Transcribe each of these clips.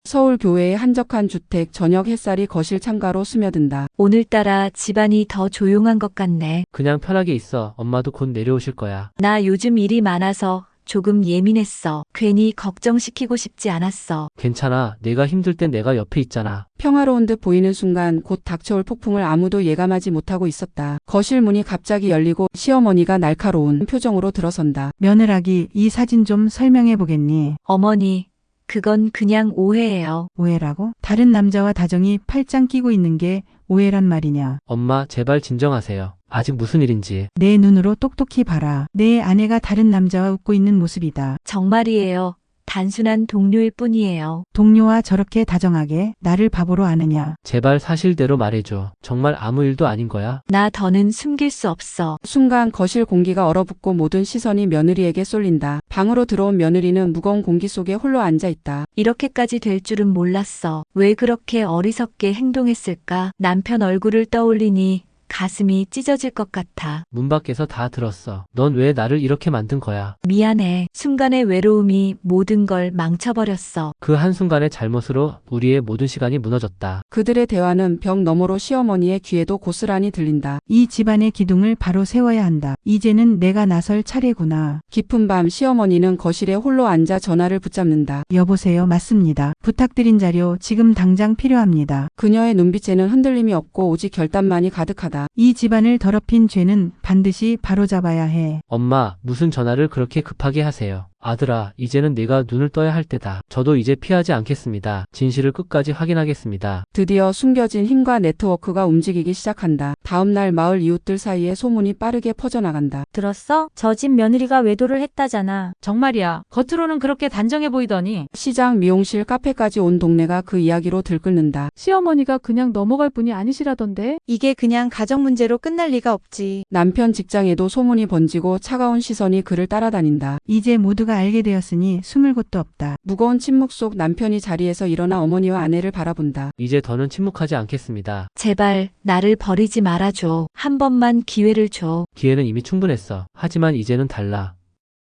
서울 교외의 한적한 주택, 저녁 햇살이 거실 창가로 스며든다. 오늘따라 집안이 더 조용한 것 같네. 그냥 편하게 있어. 엄마도 곧 내려오실 거야. 나 요즘 일이 많아서 조금 예민했어. 괜히 걱정시키고 싶지 않았어. 괜찮아. 내가 힘들 땐 내가 옆에 있잖아. 평화로운 듯 보이는 순간 곧 닥쳐올 폭풍을 아무도 예감하지 못하고 있었다. 거실 문이 갑자기 열리고 시어머니가 날카로운 표정으로 들어선다. 며느라기, 이 사진 좀 설명해 보겠니? 어머니, 그건 그냥 오해예요. 오해라고? 다른 남자와 다정이 팔짱 끼고 있는 게 오해란 말이냐? 엄마, 제발 진정하세요. 아직 무슨 일인지. 내 눈으로 똑똑히 봐라. 내 아내가 다른 남자와 웃고 있는 모습이다. 정말이에요. 단순한 동료일 뿐이에요. 동료와 저렇게 다정하게 나를 바보로 아느냐? 제발 사실대로 말해줘. 정말 아무 일도 아닌 거야? 나 더는 숨길 수 없어. 순간 거실 공기가 얼어붙고 모든 시선이 며느리에게 쏠린다. 방으로 들어온 며느리는 무거운 공기 속에 홀로 앉아있다. 이렇게까지 될 줄은 몰랐어. 왜 그렇게 어리석게 행동했을까? 남편 얼굴을 떠올리니 가슴이 찢어질 것 같아. 문 밖에서 다 들었어. 넌 왜 나를 이렇게 만든 거야? 미안해. 순간의 외로움이 모든 걸 망쳐버렸어. 그 한순간의 잘못으로 우리의 모든 시간이 무너졌다. 그들의 대화는 벽 너머로 시어머니의 귀에도 고스란히 들린다. 이 집안의 기둥을 바로 세워야 한다. 이제는 내가 나설 차례구나. 깊은 밤 시어머니는 거실에 홀로 앉아 전화를 붙잡는다. 여보세요, 맞습니다. 부탁드린 자료 지금 당장 필요합니다. 그녀의 눈빛에는 흔들림이 없고 오직 결단만이 가득하다. 이 집안을 더럽힌 죄는 반드시 바로잡아야 해. 엄마, 무슨 전화를 그렇게 급하게 하세요? 아들아, 이제는 네가 눈을 떠야 할 때다. 저도 이제 피하지 않겠습니다. 진실을 끝까지 확인하겠습니다. 드디어 숨겨진 힘과 네트워크가 움직이기 시작한다. 다음날 마을 이웃들 사이에 소문이 빠르게 퍼져나간다. 들었어? 저 집 며느리가 외도를 했다잖아. 정말이야. 겉으로는 그렇게 단정해 보이더니 시장, 미용실, 카페까지 온 동네가 그 이야기로 들끓는다. 시어머니가 그냥 넘어갈 분이 아니시라던데. 이게 그냥 가정 문제로 끝날 리가 없지. 남편 직장에도 소문이 번지고 차가운 시선이 그를 따라다닌다. 이제 모두가 알게 되었으니 숨을 곳도 없다. 무거운 침묵 속 남편이 자리에서 일어나 어머니와 아내를 바라본다. 이제 더는 침묵하지 않겠습니다. 제발 나를 버리지 말아줘. 한 번만 기회를 줘. 기회는 이미 충분했어. 하지만 이제는 달라.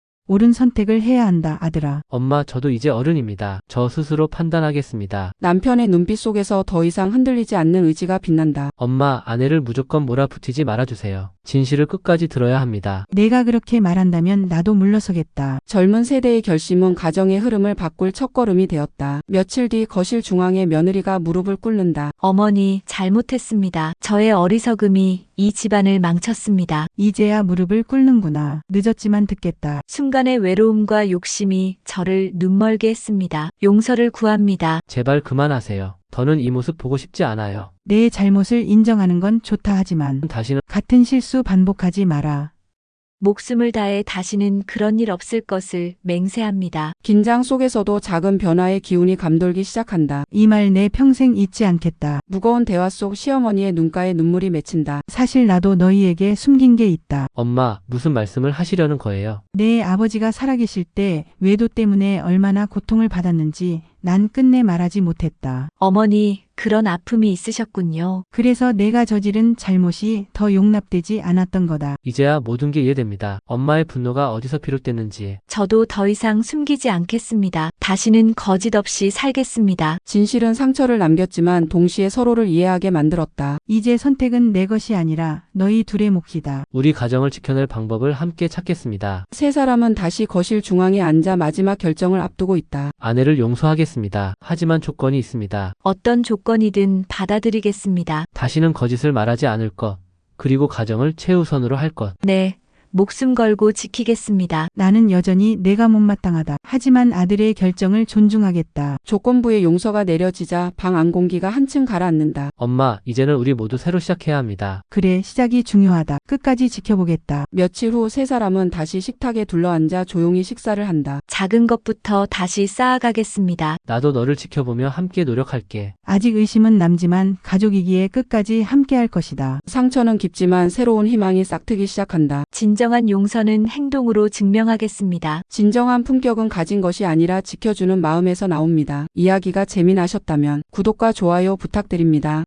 옳은 선택을 해야 한다, 아들아. 엄마, 저도 이제 어른입니다. 저 스스로 판단하겠습니다. 남편의 눈빛 속에서 더 이상 흔들리지 않는 의지가 빛난다. 엄마, 아내를 무조건 몰아붙이지 말아주세요. 진실을 끝까지 들어야 합니다. 내가 그렇게 말한다면 나도 물러서겠다. 젊은 세대의 결심은 가정의 흐름을 바꿀 첫걸음이 되었다. 며칠 뒤 거실 중앙에 며느리가 무릎을 꿇는다. 어머니, 잘못했습니다. 저의 어리석음이 이 집안을 망쳤습니다. 이제야 무릎을 꿇는구나. 늦었지만 듣겠다. 순간의 외로움과 욕심이 저를 눈멀게 했습니다. 용서를 구합니다. 제발 그만하세요. 더는 이 모습 보고 싶지 않아요. 내 잘못을 인정하는 건 좋다 하지만 다시는 같은 실수 반복하지 마라. 목숨을 다해 다시는 그런 일 없을 것을 맹세합니다. 긴장 속에서도 작은 변화의 기운이 감돌기 시작한다. 이 말 내 평생 잊지 않겠다. 무거운 대화 속 시어머니의 눈가에 눈물이 맺힌다. 사실 나도 너희에게 숨긴 게 있다. 엄마, 무슨 말씀을 하시려는 거예요? 내 아버지가 살아계실 때 외도 때문에 얼마나 고통을 받았는지 난 끝내 말하지 못했다. 어머니, 그런 아픔이 있으셨군요. 그래서 내가 저지른 잘못이 더 용납되지 않았던 거다. 이제야 모든 게 이해됩니다. 엄마의 분노가 어디서 비롯됐는지. 저도 더 이상 숨기지 않겠습니다. 다시는 거짓 없이 살겠습니다. 진실은 상처를 남겼지만 동시에 서로를 이해하게 만들었다. 이제 선택은 내 것이 아니라 너희 둘의 몫이다. 우리 가정을 지켜낼 방법을 함께 찾겠습니다. 세 사람은 다시 거실 중앙에 앉아 마지막 결정을 앞두고 있다. 아내를 용서하겠습니다. 하지만 조건이 있습니다. 어떤 조건이든 받아들이겠습니다. 다시는 거짓을 말하지 않을 것, 그리고 가정을 최우선으로 할 것. 네, 목숨 걸고 지키겠습니다. 나는 여전히 내가 못마땅하다. 하지만 아들의 결정을 존중하겠다. 조건부의 용서가 내려지자 방 안 공기가 한층 가라앉는다. 엄마, 이제는 우리 모두 새로 시작해야 합니다. 그래, 시작이 중요하다. 끝까지 지켜보겠다. 며칠 후 세 사람은 다시 식탁에 둘러앉아 조용히 식사를 한다. 작은 것부터 다시 쌓아가겠습니다. 나도 너를 지켜보며 함께 노력할게. 아직 의심은 남지만 가족이기에 끝까지 함께할 것이다. 상처는 깊지만 새로운 희망이 싹트기 시작한다. 진정한 용서는 행동으로 증명하겠습니다. 진정한 품격은 가진 것이 아니라 지켜주는 마음에서 나옵니다. 이야기가 재미나셨다면 구독과 좋아요 부탁드립니다.